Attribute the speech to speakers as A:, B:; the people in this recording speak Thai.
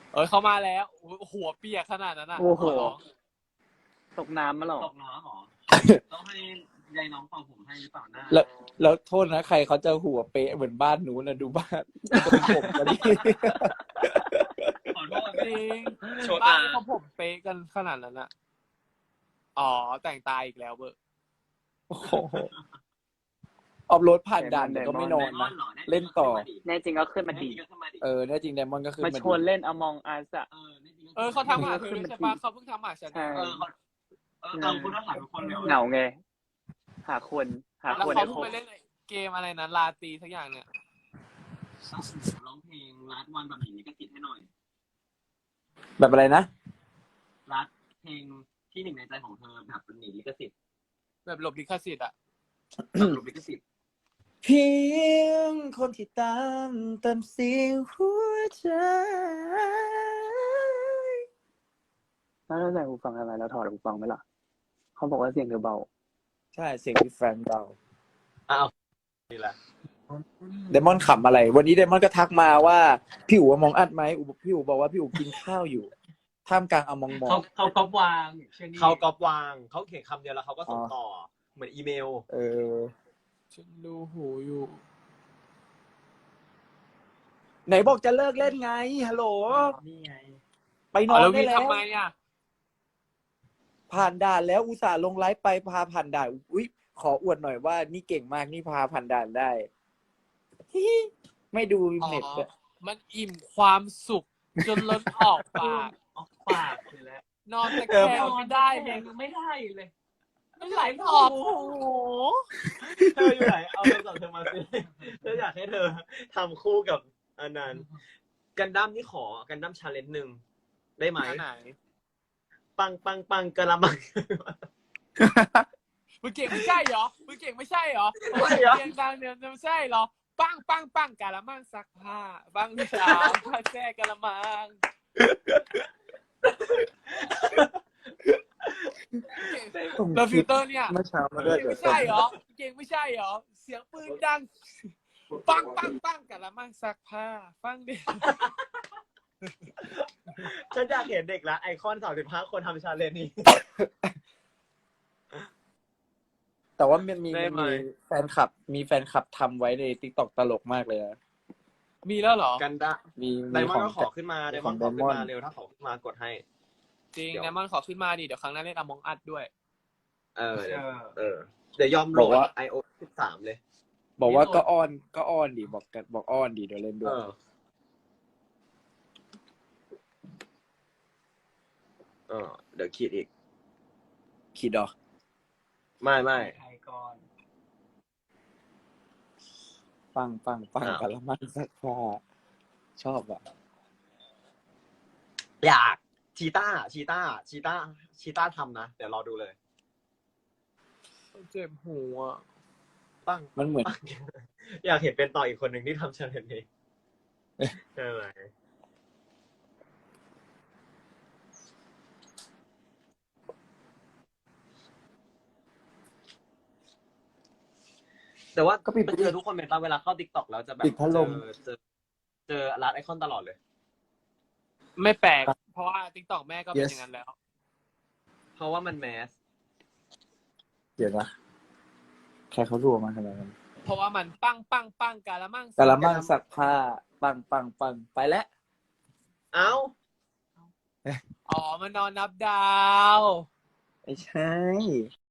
A: เขามาแล้วหัวเปียกขนาดนั้นอ่ะ
B: โอ้โห
A: ขอร้อง
B: ตกน้ำมาหรอ
C: ตกน้ำหรอ ต้องให้ยายน้องเป่าผมให้หรือเปล่าหน้า
D: แล้วโทษนะใครเขาจะหัวเป๊ะเหมือนบ้านหนูนะดูบ้านตรงผมกันดิ
C: ขอโทษ
A: จริง
C: โชว์
A: บ้า
C: ตาน
A: เขาผมเป๊ะกันขนาดนั้นอ่ะอ๋อแต่งตายอีกแล้วเบอร์
D: โอ้โหออฟโรดผ่านด่านแต่ก็ไม่นอนนะ เล่นต่อ
B: แน่จริงก็ขึ้นมาดี
D: แน่จริงไดมอนด์ก็คือ
B: มาชวนเล่น Among Us อะ
A: เขาทำหาเธอใช่ปะเขาเพิ่งทำหาฉัน
B: ใช่
C: คุณต้องถามทุกคนเลย
B: เหงาไง หาคน
A: แล้ว
B: คน
A: เขาเพิ่งไปเล่นเกมอะไรนะลาตีสักอย่างเนี่ย
C: ร้องเพลงรัดวันแบบนี้ก็ติดให้หน่อย
D: แบบอะไรนะ
C: รัดเพลงที่หนึ่งในใจของเธอแบบเป็นหนีลิขสิทธิ์
A: แบบหลบลิขสิทธิ์อ่ะ
C: แบบหลบลิขสิทธิ์
D: เพียงคนที่ตามเติมเสียงหัวใจ
B: แล้วเราใส่หูฟังอะไรแล้วถอดหูฟังไหมล่ะ เขาบอกว่าเสียงเธอเบา
D: ใช่เสียงพี่แฟนเรา
C: นี่แหละ
D: ไดมอนด์ขำอะไร วันนี้ไดมอนด์ก็ทักมาว่าพี่อู๋มองอัดไหมพี่อู๋บอกว่าพี่อู๋กินข้าวอยู่ท่ามกลางอมองมอง
C: เขาก๊อปวาง
E: เขาก๊อปวางเขาเขียนคำเดียวแล้วเขาก็ส่งต่อเหมือนอีเมล
A: ฉันดูหูอยู่
D: ไหนบอกจะเลิกเล่นไงฮัลโหล
C: นี่ไง
D: ไปนอน
A: แล้ว
D: ได้
A: พี่
D: แล้ว
A: ทำไมอ่ะ
D: ผ่านด่านแล้วอุตส่าห์ลงไลฟ์ไปพาผ่านด่านอุ๊ยขออวดหน่อยว่านี่เก่งมากนี่พาผ่านด่านได้ ไม่ดูเน็ตอะ
A: มันอิ่มความสุขจนล้นออกปาก
C: ออกปากเลยแหละ
A: นอนตะแคงไม่ได้
C: เพลงไม่ได้เลย
A: ไม่ไหลออกโอ้โห
E: เธออยู่ไหนเอาโทรศัพท์เธอมาสิเธออยากให้เธอทำคู่กับอันนั้นกันดั้มนี่ขอกันดั้มชาเลนจ์หนึ่งได้ไหม
A: ไหน
E: ปังปังปังกะละมัง
A: มึงเก่งไม่ใช่เหรอมึงเก่งไม่ใช่เหรอ
E: ไม่เหรอ
A: เก่งดังเนี่ยไม่ใช่เหรอปังปังปังกะละมังซักผ้าปังที่สาม ผ้าแช่กะละมังแล้วฟิลเตอร์เนี่ย
D: เมื่อเช้ามาด้วย
A: เก่งไม่ใช่เหรอเก่งไม่ใช่เหรอเสียงปืนดังปังปังปังกะละมังซักผ้าปังดิ
E: ฉันอยากเห็นเด็กละไอคอน35 คนทำชาเลนจ์นี้
D: แต่ว่ามันมี
E: ได้ไหม
D: แฟนคลับทำไว้ใน TikTok ตลกมากเลยอะ
A: มีแล้วเหรอ
E: กันดั้ม
D: มี
E: ไดมอน
D: ข
E: ด์
D: อง
E: ก็ขอขึ้นมาไดมอนด์ขอขึ้นมาเร็วถ้าขอขึ้นมากดให้
A: จริง
E: เดี๋ยว
A: ไดมอนด์ขอขึ้นมาดิเดี๋ยวครั้งหน้าเล่นอมองอัดด้วย
E: เดี๋ยวยอมโหลด iOS 13 เลย
D: บอกว่าก็อ้อนดิบอกอ้อนดิเดี๋ยวเล่นด้วย
E: เดี๋ยวคิดอีก
D: คิดเหรอ
E: ไม่
C: ใครก่อน
D: ปัง
E: อ้าว
D: กะละมังซักผ้าชอบอ่ะ
E: อยากชีต้าทำนะ เดี๋ยวรอดูเลย
A: เจ็บหัว
E: ปัง
D: มันเหมือน
E: อยากเห็นเป็นต่ออีกคนหนึ่งที่ทำชาเลนจ์นี้ใช่ไหมแต่ว่า
D: ก็ปิด
E: เจอทุกคนเป็นตาเวลาเข้า TikTok แล้วจะแบบ
D: ปิดพัดลม
E: เจอรัดไอคอนตลอดเลย
A: ไม่แปลก เพราะว่า TikTok แม่ก็เป็นอย่างนั้นแล้ว
E: เพราะว่ามันแมส
D: เดี๋ยวนะใครเขารัวมาขนาดนั้น
A: เพราะว่ามันปังปังปังกะละมัง
D: กะละมังซักผ้าปังไปแล้ว
E: เอ้า
A: อ๋อมันนอนนับดาว
D: ไม่ใช่